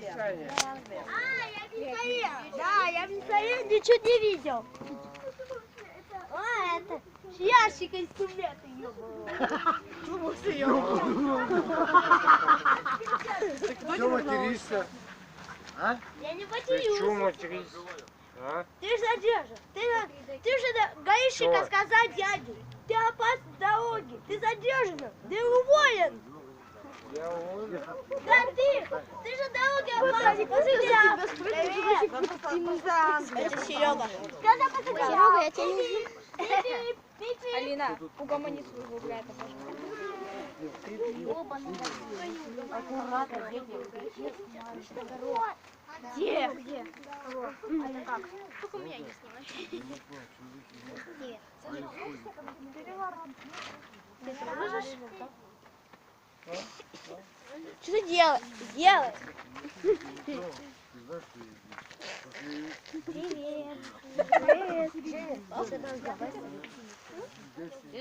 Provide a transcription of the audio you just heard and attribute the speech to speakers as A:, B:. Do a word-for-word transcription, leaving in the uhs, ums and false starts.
A: миссаэль. Да, я миссаэль, ничего не видел. А, это ящик инструменты, ёбаный.
B: Чего материшься? А?
A: Я не
B: Ты
A: матерюсь.
B: чего материшься? А?
A: Ты же задержан. Ты, ты же до гаишника
B: Что?
A: сказал дяде. Ты опасен дороги. Ты задержан. Ты уволен.
B: Я уволен.
A: Да ты. Ты же дороги опасен. Посмотри.
C: Это Серега.
A: Когда посмотри.
C: Серега, я тебя не узнаю. Алина, угомони своего брата,
A: Аккуратно, где? Где? Это как?
C: Только меня не снимай.
A: Что ты делаешь? Делай. Привет. Привет. Привет.